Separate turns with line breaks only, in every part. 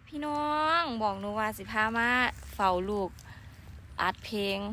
พี่น้องบอกหนูว่าสิพามาเฝ้าลูกอัดเพลง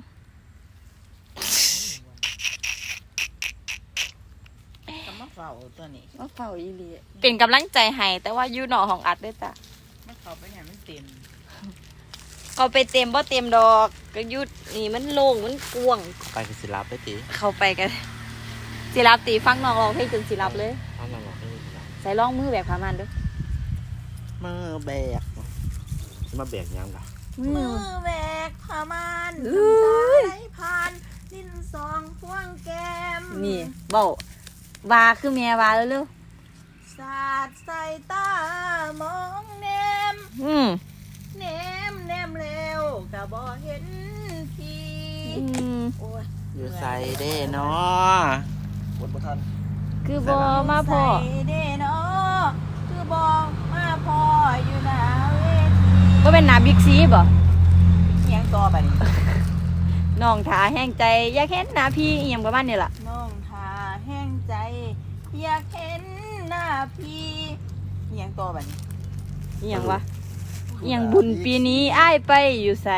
ก็มาเฝ้าตัวนี้
มาเฝ้าอีหลีเป็นกำลังใจให้แต่ว่าอยู่นอกห้องอัดด้วยจ้ะ
มันเข้าไปเนี่ยมันเต็ม
เขาไปเต็มบ่เต็มดอกก็ยุดนี่มันโล่งมันกว้าง
ไปกับศิลป์ไปตี
เข้าไปกันศิลป์ตีฟังน้องร้องเพลงจนศิลป์เลย
เอามาบอกให้ศิลป์
ใส่ร้องมือแบบพามันด้วย
มือแบกมาแบกยังล่ะ
มือแบกพามันสายผ่านดินสองพวงแก้ม
นี่เบาวาคือแม่วาเร็ว
สาดใส่ตามองแนมแนมเร็วกะบ่เห็นทีโอ้ย
อยู่ใส่เด้เนาะ
บทประทัน
คือบ่มาพ่อ
ใส่เด้เนาะคือบ่มาพ่ออยู่หน้าเวที
บ่เป็นหน้าบิ๊กซีบ่
เอียงต่อบัดนี้
น้องถาแห้งใจอยากเห็นหน้าพี่อีหยังประมาณนี้ล่ะ
น้องทาแห้งใจอยากเห็นหน้าพี่เอียงต่อบัดนี้
อีหยังวะอีหยังบุญปีนี้อ้ายไปอยู่ไส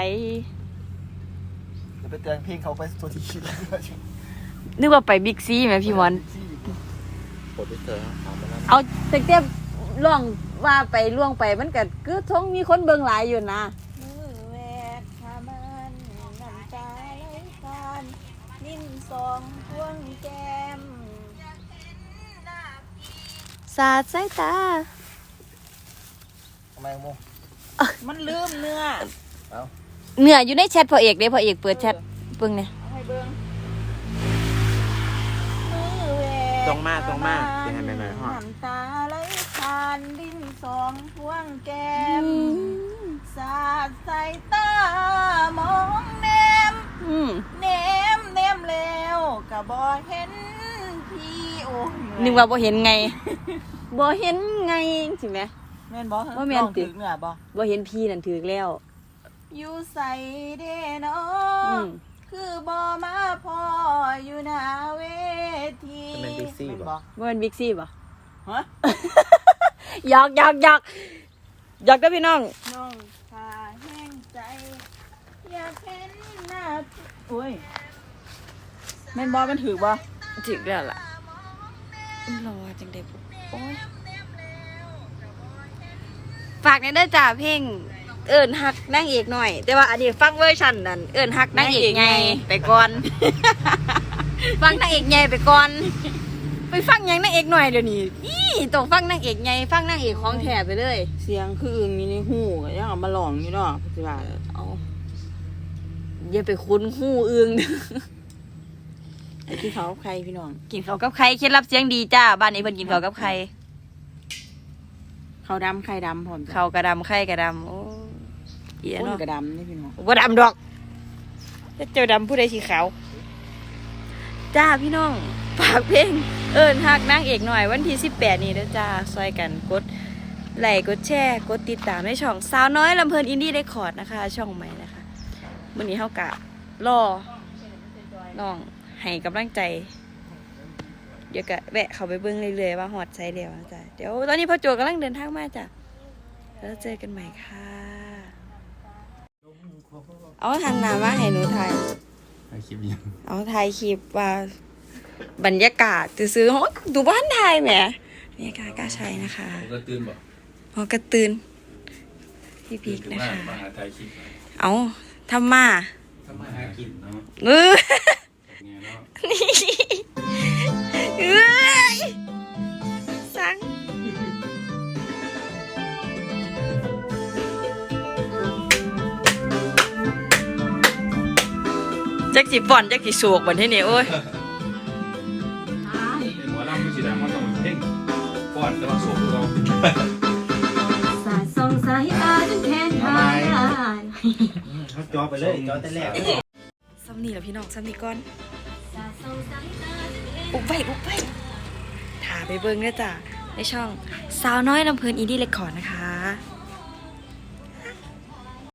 จะไปเตือนเพลงเขาไปตัวที่คิด
นึกว่าไปบิ๊กซีแม่พี่มอน
โปรดิวเซอร์
เอาแต่เต็มล่วงว่าไปล่วงไปมันก็คือท้องมีคนเบิ่งหลายอยู่นะ
มือแวกพามันน้ำตาไหลผ่านลิ้นสองพวงแก้ม
สาดสายตา
ทำไมโม
มันลืมเนื้อ
เนื้ออยู่ในแชทพ่อเอกเด้พ่อเอกเปิดแชทเบิ่งเนี่ย
ให้เบิ่งมือแวก
ตรงมากจะให้แม่ๆฮอด
น้ำตาไหลผ่านลิ้นสองพวงแก้มสาดใส่ตามองแนมแล้วก็บ่เห็นพี่โอ้
นึกว่าบ่เห็นไงบ่เห็นไงสิแม่
แม่นบ่
บ่แม่น
ถึกเนื้อบ่
เห็นพี่นั่นถึกแล้ว
อยู่ใส่เด้เนาะคือบ่มาพออยู่หน้าเวที
เป็นบิ๊กซี่บ่
บ่เป็นบิ๊กซี่บ่
ฮะ
หยอกเด้อพี่น้อง
น้องพาแห้งใจอยากเห็นหน้าโอ้ยแม่นบ่มันถึกบ่
ถึกแล้วล่ะรอจังได๋โอ้ยฝากในเด้อจ้าเพลงเอิ้นฮักนางเอกหน่อยแต่ว่าอันนี้ฟังเวอร์ชันนั้นเอิ้นฮักนางเอกใหญ่ไปก่อนฟังนางเอกใหญ่ไปก่อนไปฟังยังนางเอกหน่อยเดี๋ยวนี้ต้องฟังนางเอกใหญ่ฟังนางเอกของแท้ไปเลย
เสียงคืออึ่งอยู่ในหูก็ยังเอามาร้องอยู่เนาะสิว่า
เอาอย่าไปคุ้นหูอึ่ง
ไอ้ที่เขาใครพี่น้อง
กินข้าวกับไข่เคล็ดลับเสียงดีจ้าบ้านนี้เพิ่นกินข้าวกับไข่
ข้าวดำไข่ดำพร้อม
ข้าวกระดำไข่กระดำโอ้เหี้ยเนาะ
กระดำนี่พี่น้อง
บ่ดำดอกจะเจ้าดำผู้ใดสีขาวจ้าพี่น้องฝากเพลงเอิ้นฮักนางเอกหน่อยวันที่18นี้เด้อจ้าซอยกันกดไลค์กดแชร์กดติดตามในช่องสาวน้อยลำเพลินอินดี้เรคคอร์ดนะคะช่องใหม่นะคะมื้อนี้เฮากะรอน้องให้กำลังใจเดี๋ยวก็แวะเข้าไปเบิ่งเรื่อยๆว่าฮอดไสแล้วจ้ะเดี๋ยวตอนนี้พ่อโจกำลังเดินทางมาจ้ะแล้วเจอกันใหม่ค่ะเอาหันหน้ามาให้หนูถ่าย
คลิปยัง
เอาถ่ายคลิปว่าบรรยากาศซื้อๆดูบ้านไทยแหมบรรยากาศกล้าใช้นะคะ
ก็ตื่นบ่
พอกระตื่นพี่พีกนะคะ
มาหาถ่ายคลิป
เอาทำมา
หากินเนาะ
สังจักสิบ่อนจักสิโศกบัดนี้โอ้ย
หมอลำไม่สิดังมันต้องเพ่งก่อนจะมาโศกเรา
สาดส่องสายตาจนแขนขาด
เขาจอไปเลยจอแต่แรก
ซ้ำนี่แล้วพี่น้องซ้ำนี่ก่อนอุบไว้ถ่าไปเบิ่งด้วยจ้ะในช่องสาวน้อยลำเพลินอินดี้เรคคอร์ดนะคะ